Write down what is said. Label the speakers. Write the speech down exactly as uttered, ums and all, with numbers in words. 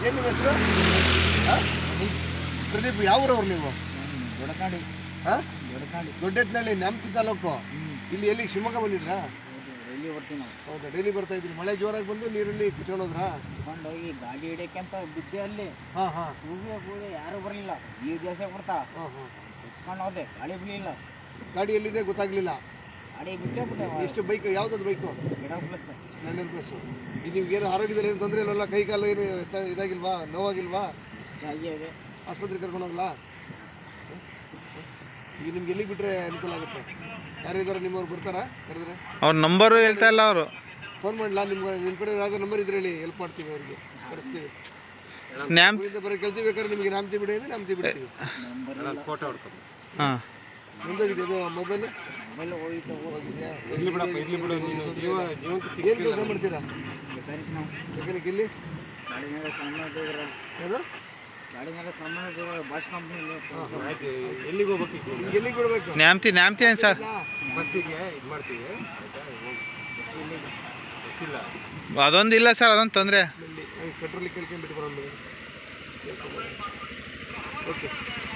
Speaker 1: ಏನು ನಿಮ್ಮ ಹೆಸರು? ಪ್ರದೀಪ್, ಯಾವ ಊರವ್ರು ನೀವು?
Speaker 2: ದೊಡ್ಡಕಾಡಿ.
Speaker 1: ಹಾಂ,
Speaker 2: ದೊಡ್ಡಕಾಡಿ,
Speaker 1: ದೊಡ್ಡೆತ್ನಳ್ಳಿ, ನ್ಯಾಮತಿ ತಾಲೂಕು. ಇಲ್ಲಿ ಎಲ್ಲಿ ಶಿವಮೊಗ್ಗ ಬಂದಿದ್ರಾ?
Speaker 2: ಡೈಲಿ ಬರ್ತೀವಿ ನಾವು.
Speaker 1: ಹೌದಾ, ಡೈಲಿ ಬರ್ತಾ ಇದ್ರಿ. ಮಳೆ ಜೋರಾಗಿ ಬಂದು ನೀರಲ್ಲಿ ಕುಚ್ಕೊಂಡೋದ್ರಾ?
Speaker 2: ಕುತ್ಕೊಂಡು ಹೋಗಿ ಗಾಡಿ ಹಿಡಿಯಕ್ಕೆ ಅಂತ ಬಿದ್ದೆ ಅಲ್ಲಿ.
Speaker 1: ಹಾಂ ಹಾಂ
Speaker 2: ಕೂಗಿ ಕೂಗಿ ಯಾರು ಬರಲಿಲ್ಲ. ನೀರು ಜಾಸ್ತಿ ಆಗ್ಬಿಡ್ತಾ.
Speaker 1: ಹಾಂ ಹಾಂ
Speaker 2: ಕುತ್ಕೊಂಡು ಹೋದೆ, ಗಾಡಿ ಬಿಡಲಿಲ್ಲ.
Speaker 1: ಗಾಡಿ ಎಲ್ಲಿದೆ ಗೊತ್ತಾಗ್ಲಿಲ್ಲ.
Speaker 2: ಗಾಡಿ ಬಿಟ್ಟೇ ಬಿಟ್ಟೆ.
Speaker 1: ಎಷ್ಟು ಬೈಕ್, ಯಾವ್ದು ಬೈಕು?
Speaker 2: ಗಿಡ ಪ್ಲಸ್
Speaker 1: ಸ್ಪ್ಲೆಂಡರ್ ಪ್ಲಸ್. ಇದು ನಿಮ್ಗೆ ಏನು ಆರೋಗ್ಯದಲ್ಲಿ ಏನು ತೊಂದರೆ ಇಲ್ಲಲ್ಲ? ಕೈ ಕಾಲು ಏನು ಎತ್ತ- ಇದಾಗಿಲ್ವಾ? ನೋವಾಗಿಲ್ವಾ?
Speaker 2: ಚೆನ್ನಾಗಿದೆ.
Speaker 1: ಆಸ್ಪತ್ರೆಗೆ ಕರ್ಕೊಂಡು ಹೋಗಲ್ಲ? ಈಗ ನಿಮ್ಗೆ ಎಲ್ಲಿಗೆ ಬಿಟ್ಟರೆ ಅನುಕೂಲ ಆಗುತ್ತೆ? ಯಾರಿದ್ದಾರೆ ನಿಮ್ಮವ್ರು ಬರ್ತಾರಾ ಕರೆದ್ರೆ?
Speaker 3: ಅವ್ರ ನಂಬರು ಹೇಳ್ತಾ ಇಲ್ಲ ಅವರು.
Speaker 1: ಫೋನ್ ಮಾಡಲ? ನಿಮ್ಮ ನಿಮ್ಮ ಕಡೆ ಯಾವ್ದಾದ್ರು ನಂಬರ್ ಇದ್ರೆ ಹೇಳಿ, ಹೆಲ್ಪ್ ಮಾಡ್ತೀವಿ ಅವ್ರಿಗೆ, ಕರೆಸ್ತೀವಿ.
Speaker 3: ನ್ಯಾಮ್
Speaker 1: ಊರಿಂದ ಬರೋ ಕೇಳ್ತೀವಿ. ಬೇಕಾದ್ರೆ ನಿಮಗೆ ನಾಮತಿ ಬಿಡಿ ಅಂದರೆ ನಾಮತಿ ಬಿಡ್ತೀವಿ.
Speaker 2: ಫೋಟೋ ಹೊಡ್ಕೊಂಡು
Speaker 3: ಹಾಂ,
Speaker 1: ಮುಂದೋಗಿದೆ ಇದು ಮೊಬೈಲ್
Speaker 2: ಮೊಬೈಲ್ ಹೋಗಿತ್ತು.
Speaker 1: ಹೋಗಿದ್ಯಾ?
Speaker 2: ಬೇಕಾದ್ರೆ
Speaker 1: ಏನು ಕೆಲಸ ಮಾಡ್ತೀರಾ?
Speaker 2: ನಾವು
Speaker 1: ಮೆಕ್ಯಾನಿಕ್ ಇಲ್ಲಿ
Speaker 2: ಗಾಡಿ ಮೇಲೆ ಸಾಮಾನು ಇದ್ರೆ
Speaker 1: ಯಾವುದು?
Speaker 2: ಗಾಡಿ ಮೇಲೆ ಸಾಮಾನು ಇದ್ರೆ ಬಾಷ್ ಕಂಪ್ನಿಯಲ್ಲಿ
Speaker 1: ಎಲ್ಲಿಗೆ ಹೋಗ್ಬೇಕು? ನಿಮ್ಗೆ ಎಲ್ಲಿಗೆ ಬಿಡಬೇಕು?
Speaker 3: ನ್ಯಾಮ್ತಿ ನ್ಯಾಮ್ತಿ ಏನು ಸರ್?
Speaker 1: ಬಸ್ಸಿಗೆ ಇದು ಮಾಡ್ತೀವಿ. ಬಸ್ಸಿಲ್ಲ,
Speaker 3: ಅದೊಂದು ಇಲ್ಲ ಸರ್, ಅದೊಂದು ತೊಂದರೆ.
Speaker 1: ಪೆಟ್ರೋಲ್ ಕೇಳ್ಕೊಂಡ್ಬಿಟ್ಟು ಬರೋದು. ಓಕೆ.